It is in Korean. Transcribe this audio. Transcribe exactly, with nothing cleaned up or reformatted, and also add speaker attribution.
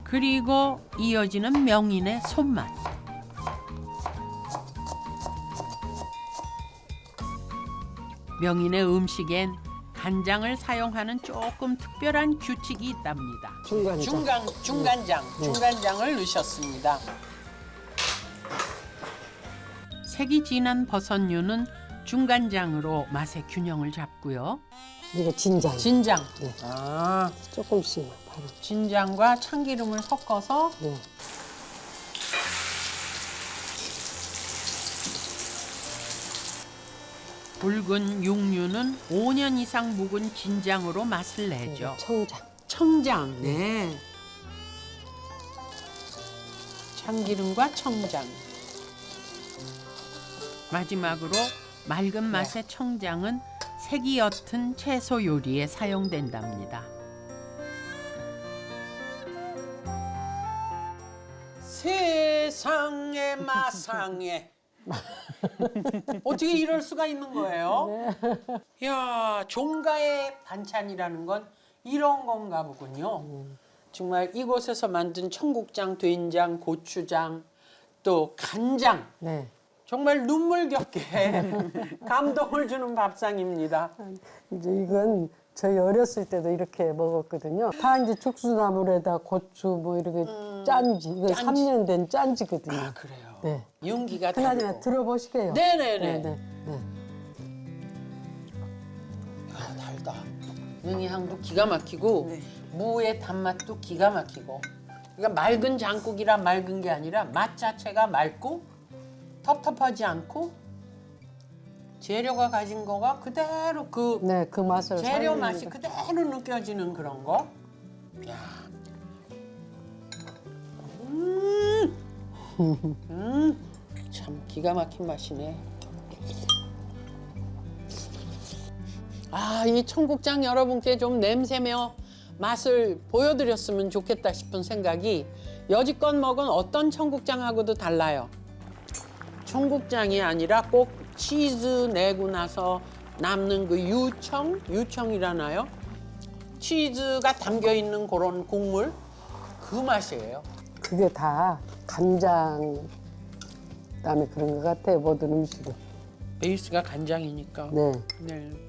Speaker 1: 그리고 이어지는 명인의 손맛. 명인의 음식엔 간장을 사용하는 조금 특별한 규칙이 있답니다.
Speaker 2: 중간장.
Speaker 3: 중간 중간장 중간장을 넣으셨습니다.
Speaker 1: 색이 진한 버섯류는 중간장으로 맛의 균형을 잡고요.
Speaker 2: 이거 진장.
Speaker 3: 진장.
Speaker 2: 네.
Speaker 3: 아,
Speaker 2: 조금씩 바로.
Speaker 3: 진장과 참기름을 섞어서
Speaker 2: 네.
Speaker 1: 붉은 육류는 오 년 이상 묵은 진장으로 맛을 내죠.
Speaker 2: 청장.
Speaker 3: 청장. 네. 참기름과 청장.
Speaker 1: 마지막으로 맑은 맛의 청장은 색이 옅은 채소 요리에 사용된답니다.
Speaker 3: 세상에 마상에. 어떻게 이럴 수가 있는 거예요? 이야, 종가의 반찬이라는 건 이런 건가 보군요. 정말 이곳에서 만든 청국장, 된장, 고추장, 또 간장.
Speaker 2: 네.
Speaker 3: 정말 눈물겹게 감동을 주는 밥상입니다.
Speaker 2: 이제 이건 저희 어렸을 때도 이렇게 먹었거든요. 다 이제 죽수나물에다 고추 뭐 이렇게 짠지. 이건
Speaker 3: 짠지.
Speaker 2: 삼 년 된 짠지거든요.
Speaker 3: 아, 그래요?
Speaker 2: 네.
Speaker 3: 윤기가
Speaker 2: 그나저나
Speaker 3: 다르고.
Speaker 2: 들어보시게요.
Speaker 3: 네네네.
Speaker 2: 네, 네.
Speaker 3: 아, 달다. 능이 향도 기가 막히고 무의 단맛도 기가 막히고. 그러니까 맑은 장국이라 맑은 게 아니라 맛 자체가 맑고 텁텁하지 않고 재료가 가진 거가 그대로 그
Speaker 2: 네, 그 맛을
Speaker 3: 재료
Speaker 2: 살리는
Speaker 3: 맛이
Speaker 2: 거.
Speaker 3: 그대로 느껴지는 그런 거. 야. 음. 음. 참 기가 막힌 맛이네. 아, 이 청국장 여러분께 좀 냄새며 맛을 보여드렸으면 좋겠다 싶은 생각이 여지껏 먹은 어떤 청국장하고도 달라요. 청국장이 아니라 꼭 치즈 내고 나서 남는 그 유청? 유청이라나요? 치즈가 담겨 있는 그런 국물? 그 맛이에요.
Speaker 2: 그게 다 간장 그다음에 그런 것 같아요. 모든 음식은.
Speaker 3: 베이스가 간장이니까.
Speaker 2: 네.
Speaker 3: 네.